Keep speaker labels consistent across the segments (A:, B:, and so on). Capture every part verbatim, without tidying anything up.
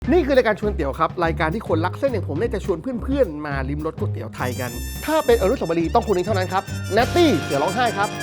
A: นี่คือรายการชวนเตี๋ยวครับรายการที่คนรักเส้นอย่างผมเนี่ยจะชวนเพื่อนๆมาลิ้มรสก๋วยเตี๋ยวไทยกัน ถ้าเป็นอนุสาวรีย์ต้องคนนี้เท่านั้นครับเนตตี้เสือร้องไห้ครับ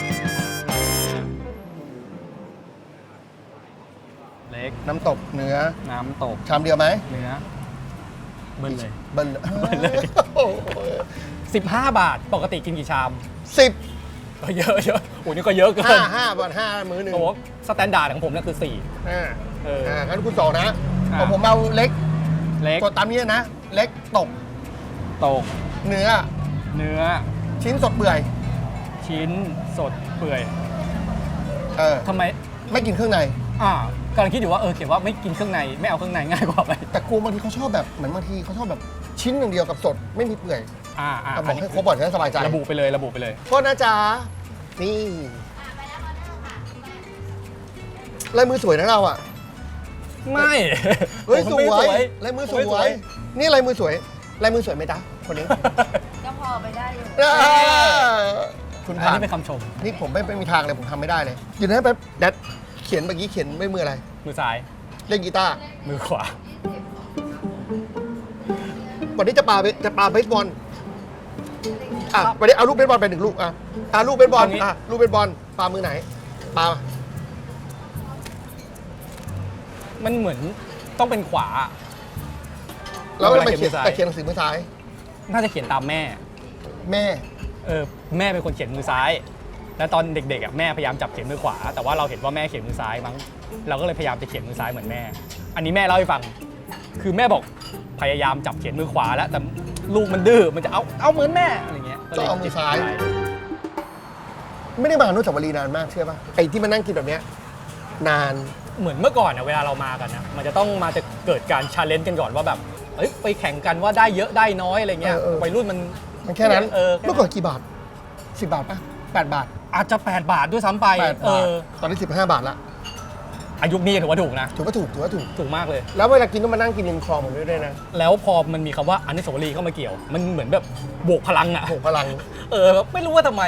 B: เล็ก
A: น้ำตกเนื้อ
B: น้ำตก
A: ชามเดียวไหม
B: เนื้อเบิ้ลเลย
A: เบิ้ลเบิ้ลเลย
B: สิบห้าบาทปกติกินกี่ชาม
A: สิบ
B: ก็เยอะเยอะโอ้นี่ก็เยอะเกิน
A: ห้าห้าบาทห้ามื้อหนึ่ง
B: โอ้สแตนดาร์ดของผมนั่นคือสี่
A: อ่า
B: เออ
A: อ่างั้นคุณสองนะของผมเอาเล็ก
B: เล็ก
A: ตัวตามนี้นะเล็กตก
B: ตก
A: เนื้อ
B: เนื้อ
A: ชิ้นสดเปื่อย
B: ชิ้นสดเปื่อย
A: เออ
B: ทำไม
A: ไม่กินเครื่องใน
B: อ่ากำลังคิดอยู่ว่าเออเขียนว่าไม่กินเครื่องในไม่เอาเครื่องในง่ายกว่าไป
A: แต่กูบางทีเขาชอบแบบเหมือนบางทีเขาชอบแบบชิ้นหนึ่งเดียวกับสดไม่มีเปื่อย
B: อ่าอ่า
A: บอกให้ครบก่อนจะได้สบายใจ
B: ระบุไปเลยระบุไปเลย
A: โทษนะจ๊ะนี่ลายมือสวยนะเราอ่ะ
B: ไม่
A: เฮ้ยสวยลายมือสวยนี่ลายมือสวยลายมือสวยไหมจ๊ะคนนี้
C: ก็พอไปได้อยู่
A: คุณ
B: ผ่านนี่เป็นคำชม
A: นี่ผมไม่มีทางเลยผมทำไม่ได้เลยอยู่นะแป๊บแดดเขียนเมื่อกี้เขียนด้วยมืออะไร
B: มือซ้าย
A: เล่นกีตาร์
B: มือขวา
A: วันนี้จะปาจะปาเบสบอลอ่ะวันนี้เอาลูกเบสบอลไปหนึ่งลูกอ่ะอ่ะลูกเบสบอลอ่ะลูกเบสบอลปามือไหนปา
B: มันเหมือนต้องเป็นขวา
A: แล้วทำไมเขียนแต่เขียนหนังสือมือซ้าย
B: น่าจะเขียนตามแม่
A: แม่
B: เออแม่เป็นคนเขียนมือซ้ายแล้วตอนเด็กๆอ่ะแม่พยายามจับเขียนมือขวาแต่ว่าเราเห็นว่าแม่เขียนมือซ้ายมั้งเราก็เลยพยายามจะเขียนมือซ้ายเหมือนแม่อันนี้แม่เล่าให้ฟังคือแม่บอกพยายามจับเขียนมือขวาแล้วแต่ลูกมันดื้อมันจะเอาเอาเหมือนแม่อะไรเงี้ย
A: ก็เอามือซ้ายไม่ได้มาอนุสาวรีย์นานมากเชื่อป่ะไอ้ที่มานั่งกินแบบเนี้ยนาน
B: เหมือนเมื่อก่อนเนี่ยเวลาเรามากันนะมันจะต้องมาจะเกิดการชาเลนจ์กันก่อนว่าแบบเอ้ยไปแข่งกันว่าได้เยอะได้น้อยอะไรเงี้ยวัยรุ่นมัน
A: มันแค่นั้นเมื่อก่อนกี่บาทสิบบาทป่ะแปดบาท
B: อาจจะแปดบาทด้วยซ้ำไป
A: เออตอนนี้สิบห้าบาทละ
B: อายุนี้ถือว่าถูกนะ
A: ถือว่าถูกถือว่าถูก
B: ถูกมากเลย
A: แล้วเวลากินต้องมานั่งกินริมคลองผมด้วยนะ
B: แล้วพอมันมีคำว่าอนุสาวรีย์เข้ามาเกี่ยวมันเหมือนแบบบวกพลังอะ
A: บวกพลัง
B: เออไม่รู้ว่าทำไม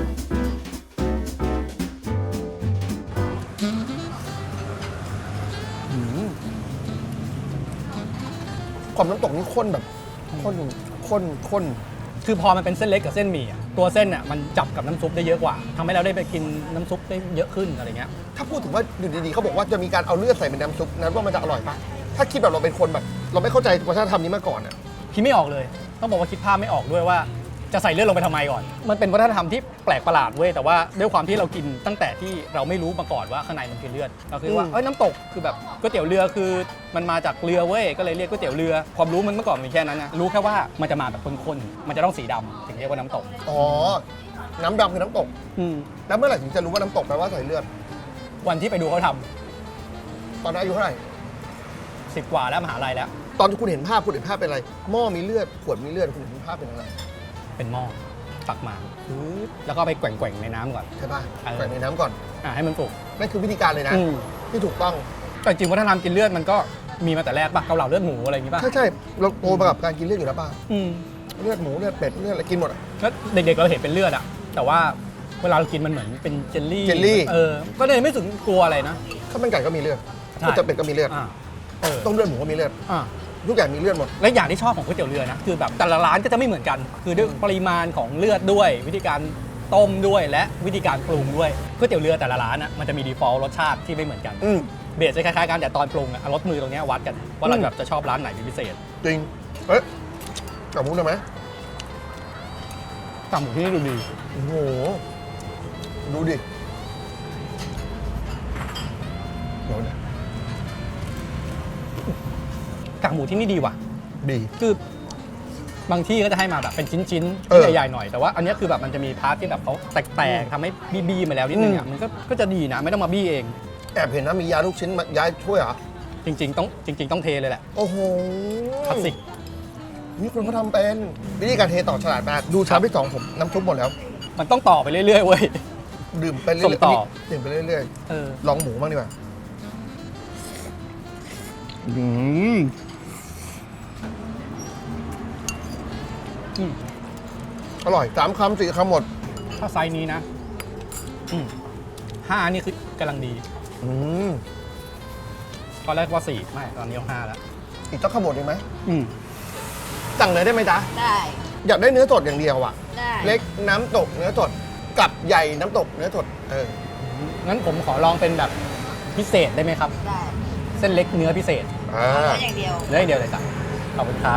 A: ความน้ำตกนี่ข้นแบบข้นข้นข้น
B: คือพอมันเป็นเส้นเล็กกับเส้นหมี่ตัวเส้นอ่ะมันจับกับน้ำซุปได้เยอะกว่าทำให้เราได้ไปกินน้ำซุปได้เยอะขึ้นอะไรเงี้ย
A: ถ้าพูดถึงว่าอยู่ดีๆเขาบอกว่าจะมีการเอาเลือดใส่เป็นน้ำซุปนั้นว่ามันจะอร่อยปะถ้าคิดแบบเราเป็นคนแบบเราไม่เข้าใจวัฒนธรรมนี้มาก่อนอ่ะ
B: คิดไม่ออกเลยต้องบอกว่าคิดภาพไม่ออกด้วยว่าจะใส่เลือดลงไปทำไมก่อนมันเป็นวัฒนธรรมที่แปลกประหลาดเว้ยแต่ว่าด้วยความที่เรากินตั้งแต่ที่เราไม่รู้มาก่อนว่าข้างในมันคือเลือดเราคิดว่าเอ้ยน้ำตกคือแบบก๋วยเตี๋ยวเรือคือมันมาจากเรือเว้ยก็เลยเรียกก๋วยเตี๋ยวเรือความรู้มันเมื่อก่อนมีแค่นั้นนะรู้แค่ว่ามันจะมาแบบข้นๆมันจะต้องสีดำถึงเรียกว่าน้ำตก
A: อ๋อน้ำดำคือน้ำตกแล้วเมื่อไหร่ถึงจะรู้ว่าน้ำตกแปลว่าใส่เลือด
B: วันที่ไปดูเขาทำ
A: ตอนนั้นอายุเท่าไหร่
B: สิบกว่าแล้วมหาลัยแล้ว
A: ตอนที่คุณเห็นภาพคุณเห็นภาพเป็นอะไรหม้อมีเลือดขวดมีเลือดคุณเห็นภาพเป็นอะไร
B: เป็นหม้อตักมาแล้วก็ไปแกว่งๆในน้ำก่อน
A: ใช่ป่ะแกว่งในน้ำก่อน
B: อ่าให้มันสุก
A: นั่นคือวิธีการเลยนะที่ถูกต้อง
B: แต่จริงวัฒนธรรมกินเลือดมันก็มีมาแต่แรกป่ะเกาเหลาเลือดหมูอะไรอย่างงี้ป่ะ
A: ใช่ใช่เราโตมากับการกินเลือดอยู่แล้วป่ะเลือดหมูเลือดเป็ดเลือดอะไรกินหมดอ่ะ
B: แล้วเด็กๆเราเห็นเป็นเลือดอ่ะแต่ว่าเวลาเรากินมันเหมือนเป็นเจลลี่
A: เจลลี่
B: เออก็เลยไม่ถึงกลัวอะไรนะ
A: ข้าวมันไก่ก็มีเลือดก๋วยเตี๋ยวเป็ดก็มีเลือดต้มเลือดหมูก็มีเลือดทุกอย่างมีเลือดหมด
B: และอย่างที่ชอบของก๋วยเตี๋ยวเรือนะคือแบบแต่ละร้านก็จะไม่เหมือนกันคือด้วยปริมาณของเลือดด้วยวิธีการต้มด้วยและวิธีการปรุงด้วยก๋วยเตี๋ยวเรือแต่ละร้านอ่ะมันจะมี default รสชาติที่ไม่เหมือนกันเบสจะคล้ายๆกันแต่ตอนปรุงอ่ะรสมือตรงนี้วัดกันว่าเราแบบจะชอบร้านไหนเป็นพิเศษ
A: จริงเอ๊ะกากหมูได้ไหม
B: กากหมูที่นี่ดูดี
A: โอ้โหดูดิเดี๋ยวนะ
B: กากหมูที่นี่ดีว่ะ
A: ดี
B: คือบางที่ก็จะให้มาแบบเป็นชิ้นๆใหญ่ๆหน่อยแต่ว่าอันนี้คือแบบมันจะมีพาร์ทที่แบบเขาแตกๆทำให้บี้ๆมาแล้วนิดนึงอ่ะมันก็ก็จะดีนะไม่ต้องมาบี้เอง
A: แอบเห็นนะมียาลูกชิ้นยาช่วยเหรอ
B: จริงๆต้องจริงๆต้องเทเลยแหละ
A: โอ้โห
B: คลาสสิก
A: นี่คุณเขาทำเป็นวิธีการเทต่อฉลาดมากดูชามที่สองผมน้ำซุปหมดแล้ว
B: มันต้องต่อไปเรื่อยๆเว้ย
A: ดื่มไปเรื่อย
B: ๆต่อ
A: ดื่มไปเรื่อยๆลองหมูบ้างดีกว่าอืมอร่อยสามคำสี่คำหมด
B: ถ้าไซส์นี้นะห้านี่คือกำลังดี
A: อืม
B: ตอนแรกว่าสี่ไม่ตอนนี้ห้าแล้ว
A: อีกต้องขบวนอีกไหม
B: อืม
A: สั่งเลยได้ไหมจ๊ะ
C: ได้
A: อยากได้เนื้อสดอย่างเดียวอ่ะ
C: ได้
A: เล็กน้ำตกเนื้อสดกับใหญ่น้ำตกเนื้อสดเออ
B: งั้นผมขอลองเป็นแบบพิเศษได้ไหมครับ
C: ได้
B: เส้นเล็กเนื้อพิเศษ
A: อ่า
C: เอาอย่างเดียว
B: เนื้ออย่างเดียวเลยจ้ะขอบคุณครับ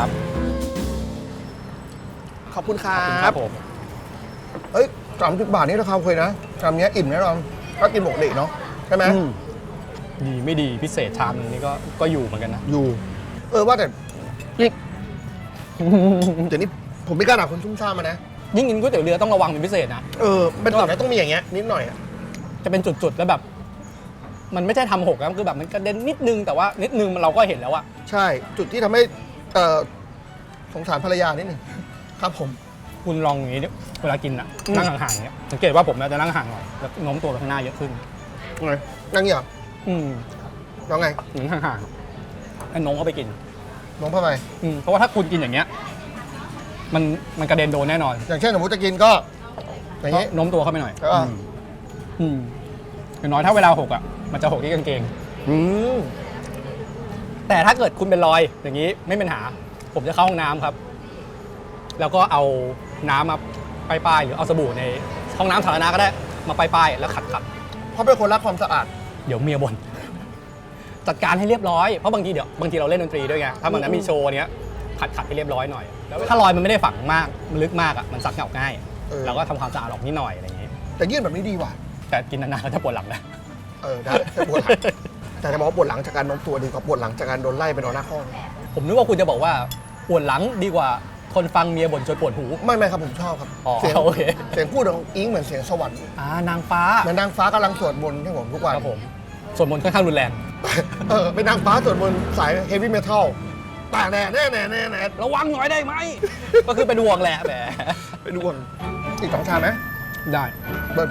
A: ขอบคุณครั
B: ขอบคุณครับ บผม
A: เอ้ยสามสิบบาทนี่ราคาโอเคนะชามเนี้ยอิ่มแน่นอนก็กินปกติเนาะใช่ไหม
B: อืมดีไม่ดีพิเศษชามนึงนี่ก็ก็อยู่เหมือนกันนะ
A: อยู่ เออว่าแต่นี่เดี๋ยวนี้ผมไม่กล้าด่าคนซุ่มซ่ามมานะ
B: ยิ่งกินก๋วยเตี๋ยวเรือต้องระวังเป็นพิเศษนะ
A: เออเป็นส่วนไหนต้องมีอย่างเงี้ยนิดหน่อยอะ
B: จะเป็นจุดๆแล้วแบบ มันไม่ใช่ทำหกแล้วคือแบบมันกระเด็นนิดนึงแต่ว่านิดนึงเราก็เห็นแล้วอะ
A: ใช่จุดที่ทำให้เอ่อสงสารภรรยานิดหนึ่งครับผม
B: คุณลองอย่างนี้ดิเวลากินอะ
A: อืม
B: นั่งห่างๆเนี้ยสังเกตว่าผมจะนั่งห่างหน่อยแล้วโน้มตัวไปข้างหน้าเยอะขึ้น
A: ไงนั่งเงี้ยเหรอ
B: อืม
A: น้องไง
B: หนึ่งห่างๆแล้วโน้มเข้าไปกิน
A: น้องเข้าไป
B: อืมเพราะว่าถ้าคุณกินอย่างเงี้ยมันมันกระเด็นโดนแน่นอน
A: อย่างเช่นสมมติจะกินก็อย่าง
B: ก็
A: งี้
B: โน้มตัวเข้าไปหน่อย
A: แล้วก็
B: อืมอืมอย่างน้อยถ้าเวลาหกอ่ะมันจะหกที่กางเกง
A: อืม
B: แต่ถ้าเกิดคุณเป็นรอยอย่างนี้ไม่เป็นหา ผมจะเข้าห้องน้ำครับ แล้วก็เอาน้ำมาป้ายๆหรือเอาสบู่ในห้องน้ำสาธารณะก็ได้มาป้ายๆแล้วขัดขัด
A: เพราะเป็นคนรักความสะอาด
B: ๆเดี๋ยวเมียบ่น จัดการให้เรียบร้อยเพราะบางทีเดี๋ยวบางทีเราเล่นดนตรีด้วยไงถ้ามันนั้นมีโชว์เนี้ยขัดขัดให้เรียบร้อยหน่อยแล้วถ้ารอยมันไม่ได้ฝังมากมันลึกมากอ่ะมันซักเหงาง่าย
A: เออ
B: เราก็ทำความสะอาดออกนิดหน่อยอะไรอย่างงี้
A: แต่ยื่นแบบนี้ดีว่ะ
B: แต่กินนานๆก็จะปวดหลังนะ
A: เออได้แค่ปวดหลัง แต่จะบอกว่าปวดหลังจากการโน้มตัวดีกว่าปวดหลังจากการโดนไล่ไปนอนหน้าห้อง
B: ผมนึกว่าคุณจะบอกว่าปวดหลังดีกว่าทนฟังเมียบ่นจนปวดหู
A: ไม่ไม่ครับผมชอบครับ
B: อ๋อ
A: เสียง
B: โอเค
A: เสียงพูดของอิงเหมือนเสียงสวรรค์
B: อ่านางฟ้า
A: เหมือนนางฟ้ากำลังสวดมนต์ให้ผมทุกวัน
B: ครับผมส่วนมนต์ค่อนข้างรุนแรง
A: เออเป็นนางฟ้าสวดมนต์สายเฮฟวี่เมทัลแต่แน่แน่แน่แน่แน่
B: ระวังหน่อยได้ไหม ก็คือเป็นห่วงแหละแหม
A: ไปดูก่อนอีกสองชามไหม
B: ได้
A: เบิร์ด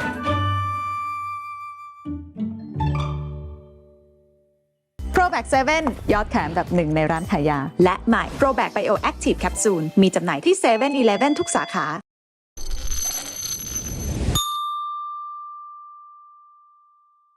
D: Probac เซเว่นยอดขายอันดับหนึ่งในร้านขายยา และใหม่ Probac Bio Active Capsule มีจำหน่ายที่เซเว่นอีเลฟเว่นทุกสาขา